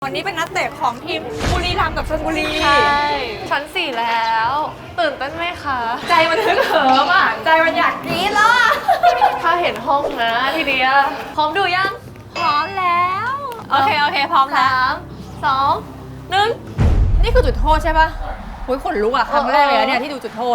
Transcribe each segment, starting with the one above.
วันนี้เป็นนักเตะของทีมบุรีรัมย์กับชลบุรีใช่ชั้น4แล้วตื่นเต้นไหมคะใจมันฮึกเหิมอ่ะใจมันอยากกรี๊ดแล้วอะถ้าเห็นห้องนะทีเดียวพร้อมดูยังพร้อมแล้ว โอเคพร้อมแล้ว 3 2 1 นี่คือจุดโทษใช่ปะหุยขนลุกอ่ะครั้งแรกเลยนะเนี่ยที่ดูจุดโทษ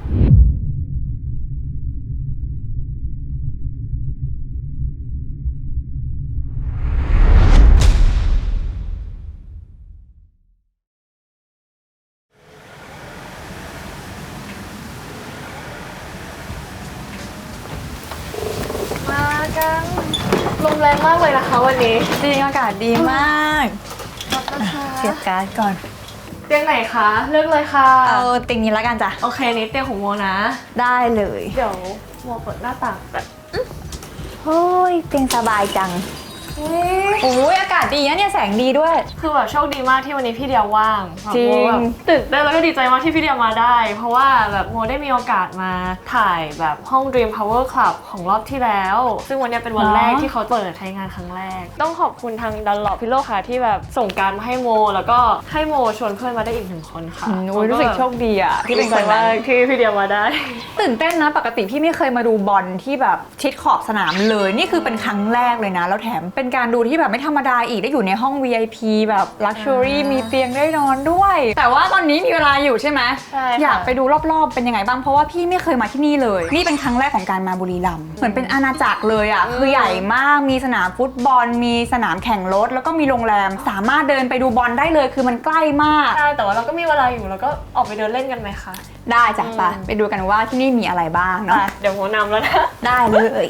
มากันลมแรงมากเลยนะคะวันนี้จริงอากาศดีมากเสียบการ์ดก่อนเตียงไหนคะเลือกเลยค่ะเอาเตียงนี้แล้วกันจ้ะโอเคนี่เตียงของโมนะได้เลยเดี๋ยวโมเปิดหน้าต่างแบบเฮ้ยเตียงสบายจังโอ้ยอากาศดีนะเนี่ยแสงดีด้วยคือแบบโชคดีมากที่วันนี้พี่เดียวว่างจริงโมแบบตื่นเต้นแล้วก็ดีใจมากที่พี่เดียวมาได้ เพราะว่าแบบโมได้มีโอกาสมาถ่ายแบบห้อง Dream Power Club ของรอบที่แล้ว ซึ่งวันนี้เป็นวันแรกที่เขาเปิดใช้งานครั้งแรก ต้องขอบคุณทาง Dunlop Pillow ค่ะที่แบบส่งการมาให้โม แล้วก็ให้โมชวนเพื่อนมาได้อีก1 คนค่ะโอ้ยรู้สึกโชคดีอ่ะที่เป็นคนดีใจนั้มากนที่พี่เดียวมาได้ตื่นเต้นนะปกติพี่ไม่เคยมาดูบอลที่แบบชิดขอบสนามเลยนี่คือเป็นครั้งแรกเลยนะแล้วแถมเป็นการดูที่แบบไม่ธรรมดาอีกได้อยู่ในห้อง VIP แบบ Luxury มีเตียงได้นอนด้วย แต่ว่าตอนนี้มีเวลาอยู่ใช่ไหมใช่ค่ะอยากไปดูรอบๆเป็นยังไงบ้างเพราะว่าพี่ไม่เคยมาที่นี่เลยนี่เป็นครั้งแรกของการมาบุรีรัมย์เหมือนเป็นอาณาจักรเลยอ่ะคือใหญ่มากมีสนามฟุตบอลมีสนามแข่งรถแล้วก็มีโรงแรมสามารถเดินไปดูบอลได้เลยคือมันใกล้มากใช่แต่ว่าเราก็มีเวลาอยู่แล้วก็ออกไปเดินเล่นกันไหมคะได้จ้ะไปดูกันว่าที่นี่มีอะไรบ้างเนาะเดี๋ยวโมนำแล้วนะได้เลย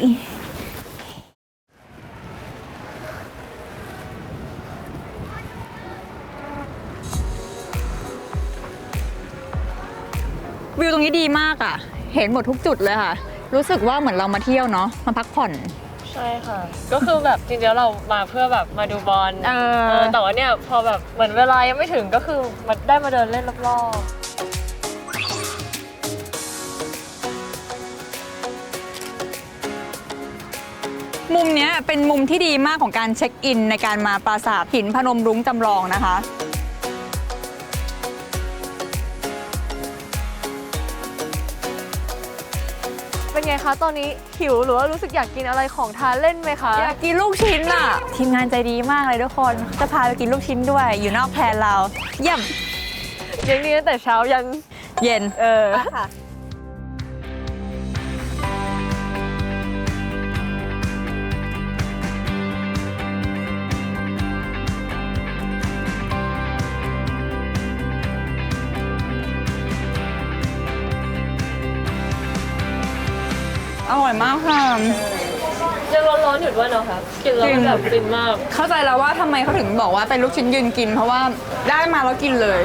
วิวตรงนี้ดีมากอ่ะ เห็นหมดทุกจุดเลยค่ะ รู้สึกว่าเหมือนเรามาเที่ยวเนาะ มาพักผ่อนใช่ค่ะ ก็คือแบบจริงๆเรามาเพื่อแบบมาดูบอลแต่ว่าเนี่ยพอแบบเหมือนเวลายังไม่ถึงก็คือมาได้มาเดินเล่นรอบมุมเนี้ยเป็นมุมที่ดีมากของการเช็คอินในการมาปราสาทหินพนมรุ้งจำลองนะคะๆเป็นไงคะตอนนี้หิวหรือว่ารู้สึกอยากกินอะไรของทานเล่นไหมคะอยากกินลูกชิ้นอ่ะ ทีมงานใจดีมากเลยทุกคน จะพาไปกินลูกชิ้นด้วย อยู่นอกแพลนเรา เยี่ยมเลี้ยงดีตั้งแต่เช้ายันเย็นค่ะอร่อยมากค่ะยังร้อนๆอยู่ด้วยเนาะค่ะกินแล้วมันแบบฟินมากเข้าใจแล้วว่าทำไมเขาถึงบอกว่าเป็นลูกชิ้นยืนกิน เพราะว่าได้มาแล้วกินเลย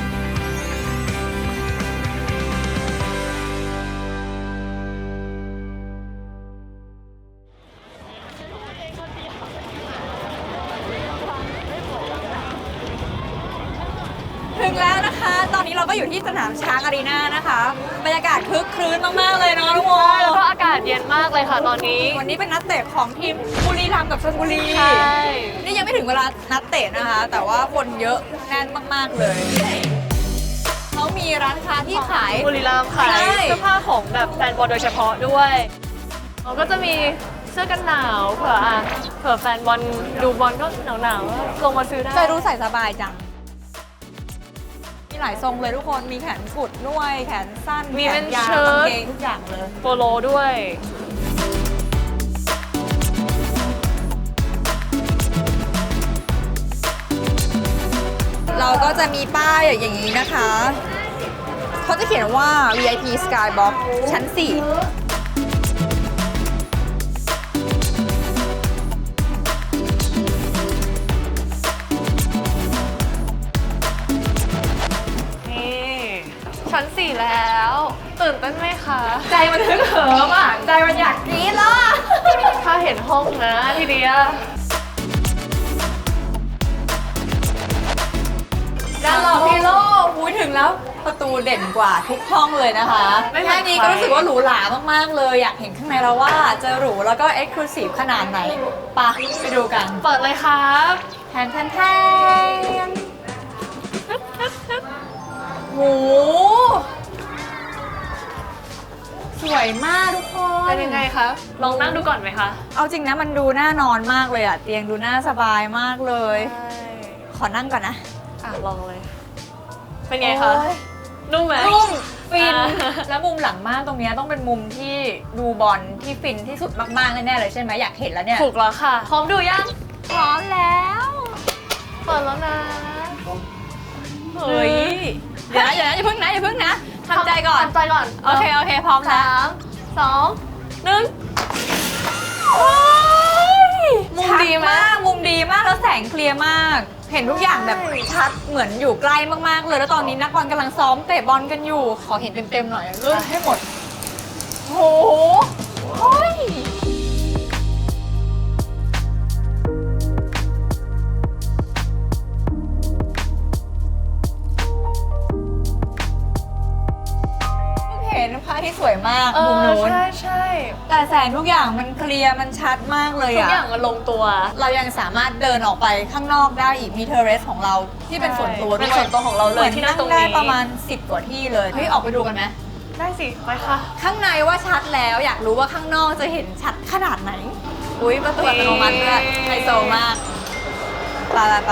ถึงแล้วนะคะ ตอนนี้เราก็อยู่ที่สนามช้างอารีนานะคะ บรรยากาศคึกครื้นมากๆเลยเนาะทุกคนแล้วก็อากาศเย็นมากเลยค่ะตอนนี้วันนี้เป็นนักเตะของทีมบุรีรัมย์กับชลบุรีใช่นี่ยังไม่ถึงเวลานัดเตะนะคะ แต่ว่าคนเยอะแน่นมากๆเลย เขามีร้านค้าที่ขายบุรีรัมย์ขายใช่เสื้อผ้าของแบบแฟนบอลโดยเฉพาะด้วยเราก็จะมีเสื้อกันหนาวเผื่อแฟนบอลดูบอลก็หนาวๆลงมาซื้อได้จะรู้ใส่สบายจัง มีหลายทรงเลยทุกคน มีแขนกุดด้วย แขนสั้นมีแขเป็นนยาวเชิ้กางตเกงทุกอย่างเลยโปโลด้วยเราก็จะมีป้ายอย่างนี้นะคะ เขาจะเขียนว่า VIP Skybox ชั้น 4 ชั้น4แล้วตื่นเต้นไหมคะใจมันฮึกเหิมอ่ะ ใจมันอยากกรี๊ดแล้วอะถ้าเห็นห้องนะทีเดียวด้านหลังพี่โลอุ้ยถึงแล้วประตูเด่นกว่าทุกห้องเลยนะคะไม่เหมือนแค่นี้ก็รู้สึกว่าหรูหรามากๆเลย อยากเห็นข้างในแล้วว่าจะหรูแล้วก็เอ็กซ์คลูซีฟขนาดไหนไปะไปดูกันเปิดเลยครับแทนแทนแทนโหสวยมากทุกคนเป็นยังไงคะ ลองนั่งดูก่อนไหมคะเอาจริงนะมันดูน่านอนมากเลยอะเตียงดูน่าสบายมากเลยใช่ขอนั่งก่อนนะลองเลย เป็นไงคะโอ๊ยนุ่มไหมนุ่มฟินอ่าแล้วมุมหลังม่านตรงเนี้ยต้องเป็นมุมที่ดูบอลที่ฟินที่สุดมากๆแน่ๆเลยใช่ไหมอยากเห็นแล้วเนี่ยถูกแล้วค่ะ พร้อมดูยังพร้อมแล้วเปิดแล้วนะเฮ้ยเดี๋ยวนะอย่าเพิ่งนะทำใจก่อนทำใจก่อนโอเคพร้อมแล้ว 3 2 1 มุมดีไหมมุมดีมากแล้วแสงเคลียร์มาก เห็นทุกอย่างแบบชัดเหมือนอยู่ใกล้มากๆเลย แล้วตอนนี้นักบอลกำลังซ้อมเตะบอลกันอยู่ ขอเห็นเต็มๆหน่อยเลื่อนให้หมดโหเฮ้ยเห็นพระอาที่สวยมากมุมนู้นใช่แต่แสงทุกอย่างมันเคลียร์มันชัดมากเลยทุกอะอย่างมันลงตัวเรายังสามารถเดินออกไปข้างนอกได้อีกมีเทอร์เรสของเราที่เป็นส่วนตัวด้วยเป็นส่วนตัวของเราเลยที่นั่งตรงนี้ได้ประมาณ 10 กว่าที่เลยเฮ้ยออกไปดูกันไหมได้สิ ไปค่ะข้างในว่าชัดแล้วอยากรู้ว่าข้างนอกจะเห็นชัดขนาดไหนอุ้ยประตูอัตโนมัติด้วยไฮโซมากไป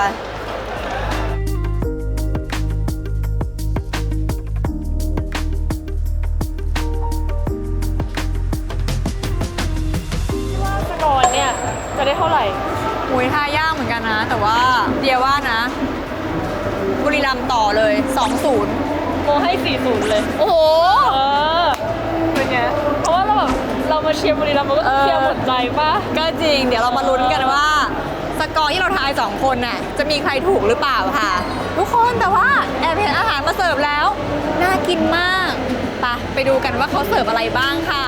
ว่าจะนอนเนี่ย จะได้เท่าไหร่อุ้ยท่ายากเหมือนกันนะ แต่ว่าเดียว่านะบุรีรัมย์ต่อเลย 2-0 โมให้ 40 เลยโอ้โหเป็นไง เพราะว่าเรามาเชียร์บุรีรัมย์มันก็เชียร์หมดใจป่ะก็จริง เดี๋ยวเรามาลุ้นกันว่า สกอร์ที่เราทาย 2 คนน่ะจะมีใครถูกหรือเปล่าค่ะ ทุกคนแต่ว่าแอบเห็นอาหารมาเสิร์ฟแล้ว น่ากินมากไปดูกันว่าเขาเสิร์ฟอะไรบ้างค่ะ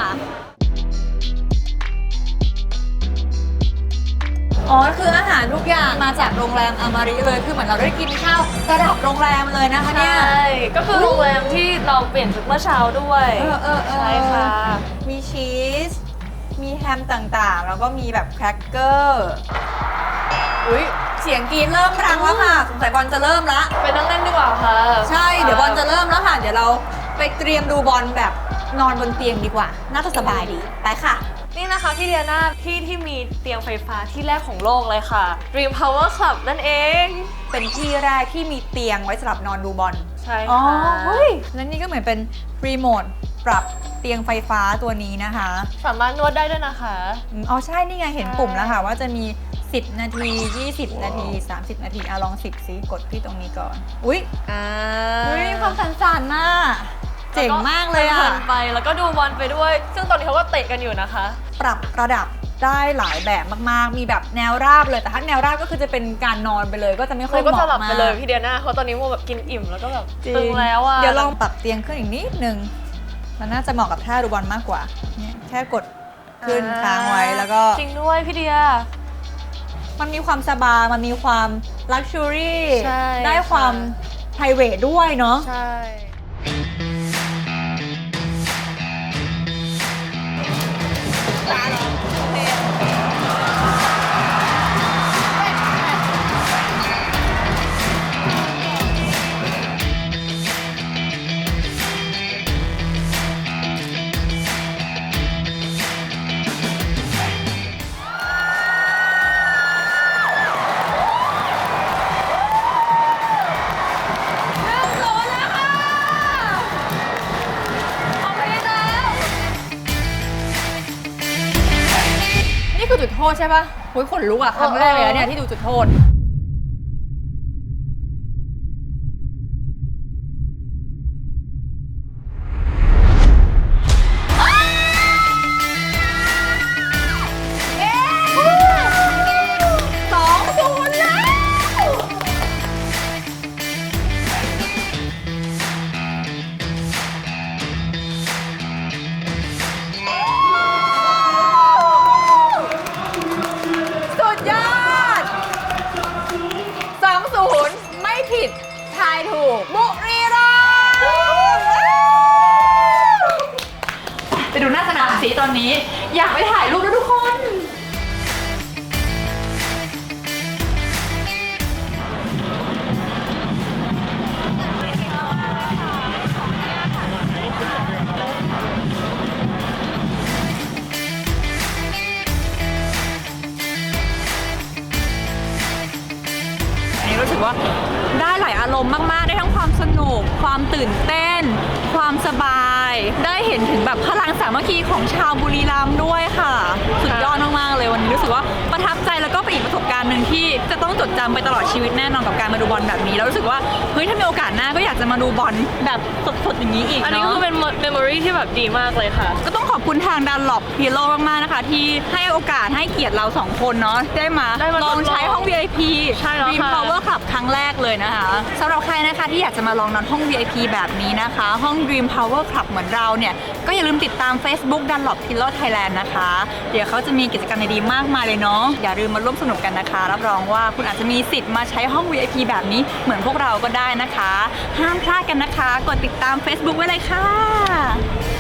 อ๋อคืออาหารทุกอย่างมาจากโรงแรมอามาริเลยคือเหมือนเราได้กินข้าวระดับโรงแรมเลยนะคะเนี่ยใช่ ก็คือโรงแรมที่เราเปลี่ยนชุดเมื่อเช้าด้วย ใช่ค่ะมีชีส มีแฮมต่างๆ แล้วก็มีแบบแครกเกอร์ อุ๊ย เสียงกรีดเริ่มดังแล้วค่ะ สงสัยบอลจะเริ่มละไปนั่งเล่นดีกว่าค่ะใช่ เดี๋ยวบอลจะเริ่มแล้วค่ะ เดี๋ยวเราไปเตรียมดูบอลแบบนอนบนเตียงดีกว่า น่าจะสบายดี ไปค่ะนี่นะคะพี่เดียนาที่มีเตียงไฟฟ้าที่แรกของโลกเลยค่ะ Dream Power Club นั่นเองเป็นที่แรกที่มีเตียงไว้สำหรับนอนดูบอลใช่อ๋อค่ะเฮ้ย แล้วนี่ก็เหมือนเป็นรีโมทปรับเตียงไฟฟ้าตัวนี้นะคะสามารถนวดได้ด้วยนะคะอ๋อใช่ นี่ไงเห็นปุ่มแล้วค่ะ ว่าจะมี 10 นาที 20 นาที 30 นาทีลอง10ซิกดที่ตรงนี้ก่อน อุ๊ย อุ๊ยความสั่นๆน่ะเจ๋งมากเลยอ่ะพนไปแล้วก็ดูบอลไปด้วย ซึ่งตอนนี้เขาก็เตะกันอยู่นะคะปรับระดับได้หลายแบบมากๆ มีแบบแนวราบเลย แต่ถ้าแนวราบก็คือจะเป็นการนอนไปเลย ก็จะไม่ค่อยเขาเหก็มาะจะหลับมาไปเลยกพี่เดียนาเพราะตอนนี้โมแบบกินอิ่มแล้วก็แบบจริตึงแล้วอ่ะเดี๋ยวลองปรับเตียงขึ้นอีกนิดนึง มันน่าจะเหมาะกับท่าดูบอลมากกว่า เนี่ยแค่กดขึ้นค้างไว้แล้วก็จริงด้วยพี่เดียมันมีความสบาย มันมีความลักชัวรี่ใช่ได้ความค่ะไพรเวทด้วยเนาะใช่นี่คือจุดโทษใช่ปะโอ้ยขนลุกอะครั้งแรกเลยนะเนี่ยที่ดูจุดโทษ 2-0 แล้ว สุดยอด 2-0 ไม่ผิด ทายถูก บุรีรัมย์ไปดูหน้าสนามสีตอนนี้ อยากไปถ่ายรูปแล้วทุกคนรู้สึกว่าได้หลายอารมณ์มากๆได้ทั้งความสนุกความตื่นเต้น ความสบาย ได้เห็นถึงแบบพลังสามัคคีของชาวบุรีรัมย์ด้วยค่ะสุดยอดมากๆเลยวันนี้รู้สึกว่าประทับใจแล้วก็เป็นอีกประสบการณ์หนึ่งที่จะต้องจดจำไปตลอดชีวิตแน่นอนกับการมาดูบอลแบบนี้แล้วรู้สึกว่าเฮ้ยถ้ามีโอกาสหน้าก็อยากจะมาดูบอลแบบสดๆอย่างนี้อีกอันนี้เนาะคือเป็นเมมโมรีที่แบบดีมากเลยค่ะก็ต้องขอบคุณทางดันหลบพีโลมากๆนะคะที่ให้โอกาสให้เกียรติเราสองคนเนาะได้มา ลองใช้ห้อง VIP ใช่แล้วค่ะ Dream Power Club ครั้งแรกเลยนะคะสำหรับใครนะคะที่อยากจะมาลองนอนห้อง VIP แบบนี้นะคะห้อง Dream Power Club เหมือนเราเนี่ยก็อย่าลืมติดตาม Facebook Dunlop Pillow Thailand นะคะเดี๋ยวเขาจะมีกิจกรรมดีๆมากมายเลยเนาะอย่าลืมมาร่วมสนุกกันนะคะรับรองว่าคุณอาจจะมีสิทธิ์มาใช้ห้อง VIP แบบนี้เหมือนพวกเราก็ได้นะคะห้ามพลาดกันนะคะกดติดตาม Facebook ไว้เลยค่ะ